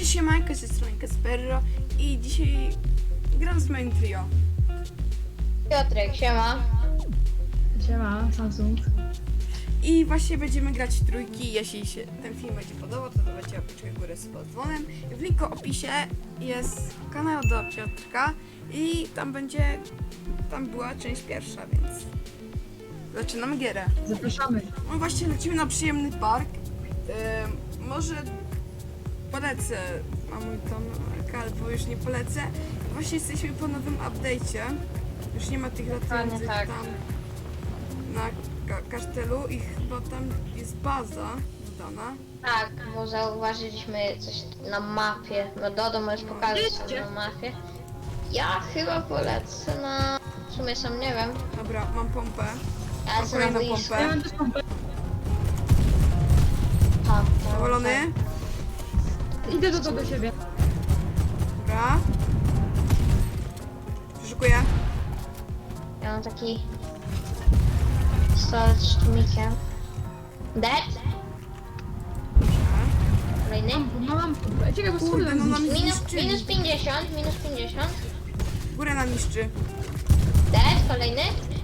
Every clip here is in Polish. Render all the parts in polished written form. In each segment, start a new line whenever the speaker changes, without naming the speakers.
Cześć, siemanko, z tej strony Kasperro i dzisiaj gram z moim trio.
Piotrek, siema.
Siema, Samsung.
I właśnie będziemy grać w trójki. Jeśli się ten film będzie podobał, to dawajcie łapeczkę w górę z dzwonem. W linku opisie jest kanał do Piotrka i tam była część pierwsza, więc zaczynamy gierę.
Zapraszamy.
No właśnie, lecimy na przyjemny park. Może polecę na mój ton, albo już nie polecę. Właśnie jesteśmy po nowym update'cie. Już nie ma tych latających
tak.
tam na kasztelu i chyba tam jest baza dodana.
Tak, bo zauważyliśmy coś na mapie. No Dodo możesz pokazać
Gdzie?
na mapie. Ja chyba polecę na... W sumie sam nie wiem.
Dobra, mam pompę.
Ja lecę na
kolejną
boisko.
pompę.
Ja mam też pompę.
Zadowolony?
Idę do siebie.
Dobra. Przeszukuję.
Ja mam taki... pistolet z tłumikiem. Dead? Kolejny?
Mam pompę. Czekaj, bo
Kurde,
schudłem.
no na mnie
Minus
zniszczyli.
50, minus 50.
Górę nam niszczy.
Dead, kolejny.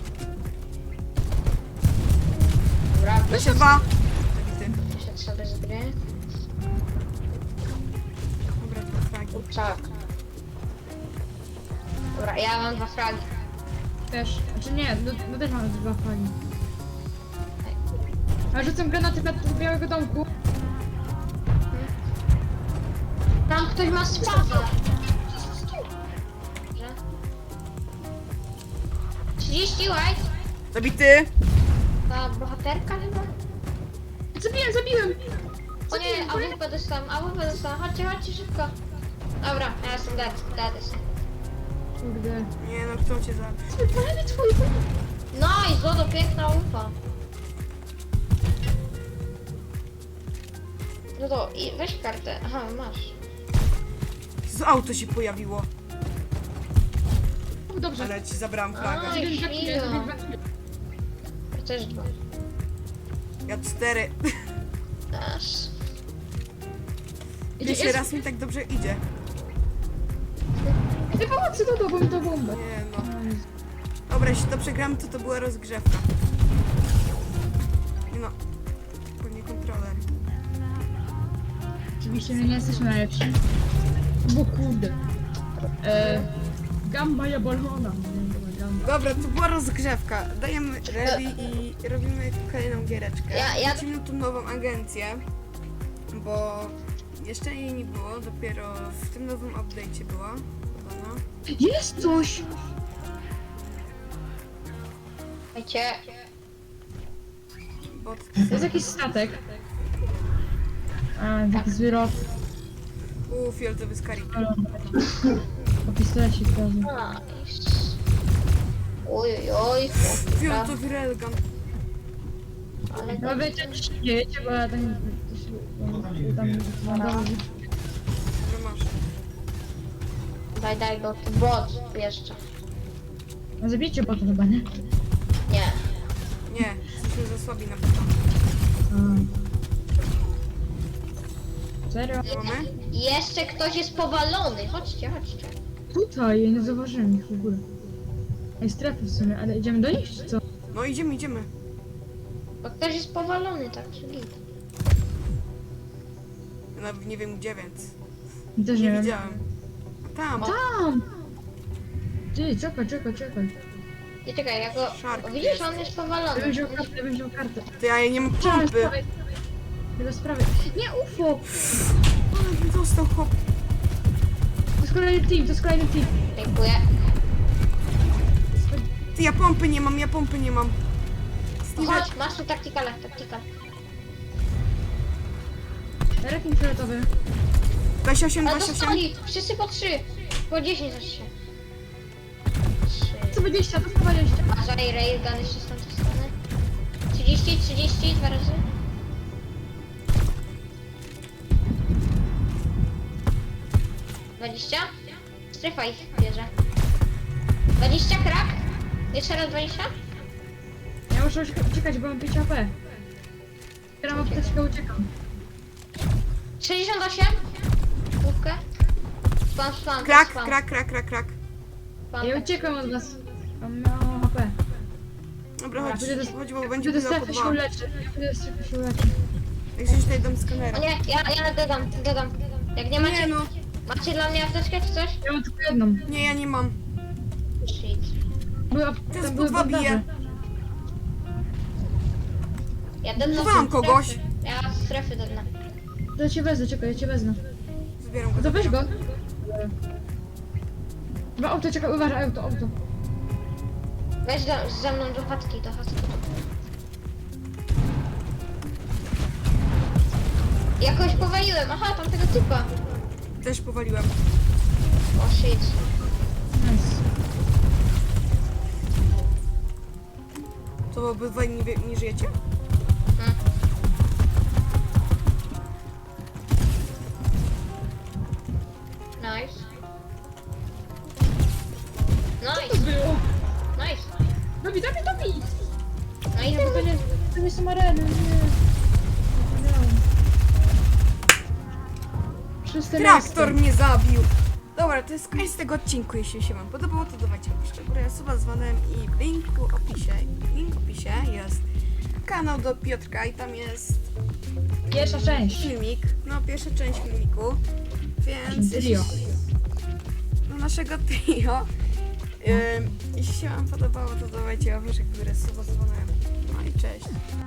Dobra,
Weź dwa. Zabity.
wyszedł sobie z gry.
Dobra, dwa fragi.
Tak. Dobra, ja mam 2 fragi.
Też. Znaczy nie, no też mam 2 flagi. A rzucam granaty do białego domku.
Tam ktoś ma spada. 30 white.
Zabity.
Ta bohaterka chyba?
Zabiłem!
O nie, AWP dostałam. Chodźcie szybko. Dobra, ja jestem dead jestem.
Kurde.
Nie no, kto cię zabił?
Wypalenie twój.
No i Zodo, piękna ufa. No to i weź kartę. Aha, masz.
Z auto się pojawiło.
Dobrze.
Ale ci zabrałam flagę.
Oj,
Zrobiłem dwa kile,
chwila.
zrobiłem 2 kile.
Ja też 2.
Ja 4.
Aż.
Pierwszy raz mi tak dobrze idzie.
Ty pomocy Dodo, bo mi to bombę.
Nie no. Dobra, jeśli to przegramy, to była rozgrzewka. Nie no. Pewnie kontroler.
Oczywiście my nie jesteśmy najlepsi. Bo kurde. Gamba jabolona.
Dobra, to była rozgrzewka. Dajemy ready i robimy kolejną giereczkę.
Ja-
Lecimy na tą nową agencję, bo jeszcze jej nie było, dopiero w tym nowym update'cie była dodana.
Jest coś!
Słuchajcie,
Bo
Jest jakiś statek. A, taki zły rok.
fioletowy skarik.
O pistolecik razu.
nice. Oj,
Fioletowy railgun.
ale
No wiecie, co się dzieje, bo ja tam...
Dobra, masz.
daj, bo to bot jeszcze.
No zabijcie bota chyba, nie?
Nie.
Nie, jesteśmy za słabi na początku.
Serio?
Mamy?
Jeszcze ktoś jest powalony. Chodźcie.
Tutaj, ja nie zauważyłem ich w ogóle. Ej, strefy w sumie, ale idziemy do nich czy co?
No idziemy.
Bo ktoś jest powalony, tak czy git.
Ja nawet nie wiem gdzie, więc
Też
nie
nie wiem.
widziałem. A tam.
Tam! Ty, czekaj.
I czekaj, ja go...
Szark
O, widzisz,
jest.
on jest
Ja
powalony.
bym wziął kartę.
Ty, ja nie mam
Trzeba
pompy.
sprawy. Bez sprawy. Nie, UFO!
Ale dostał hop.
To jest kolejny team.
Dziękuję.
Ty, ja pompy nie mam.
Chodź, masz tu taktikal.
Rekin fioletowy.
28.
Ale dostali! Wszyscy po 3. Po 10 za 3. 3.
120, to 120.
Uważaj, railgun jeszcze z tamtej strony. 30, 2 razy. Dwadzieścia? Strefa ich bierze. 20 krak? Jeszcze raz 20?
Ja muszę uciekać, bo mam 5 AP. Zbieram apteczkę, uciekam.
68? główkę? Spam,
Krak,
spam.
krak, krak, krak, krak.
Spam.
Ja uciekam od was. Mam mało HP.
Dobra, chodź,
Pójdę do-
chodź, bo będzie
Idę do
budowa po
strefy się
dwa.
uleczę. Idę do strefy się uleczę.
Jak się tutaj dam skanera.
O nie, ja dodam. Jak nie macie,
Nie no,
macie dla mnie apteczkę czy coś?
Ja mam tylko jedną.
nie, ja nie mam.
Shit.
Była,
Ten
tam
z
były
dwa
bandaże.
bije.
Ja dodam
Budowałam kogoś.
Ja z strefy dodam.
To ja cię wezmę, czekaj, ja cię wezmę.
Zbieram
No
go.
to weź go. Chyba auto, czekaj, uważaj, auto.
Weź ze mną do chatki. Jakoś powaliłem, aha, tam tego typa.
Też powaliłem.
O shit.
Nice.
To obydwaj nie żyjecie?
Hmm. Nice.
Co to było?
Nice.
Dobi!
No i
Nie, bo to nie są areny, nie. Szóste
Traktor
miejsce.
mnie zabił. Dobra, to jest koniec tego odcinku. Jeśli się wam podobało, to dawajcie łapkę w górę, suba z dzwonem i w linku w opisie jest kanał do Piotrka i tam jest
Pierwsza część.
filmik, no pierwsza część filmiku, więc
Trio.
no, naszego trio. Jeśli się wam podobało, to dawajcie łapkę w górę, suba z dzwonem. No i cześć.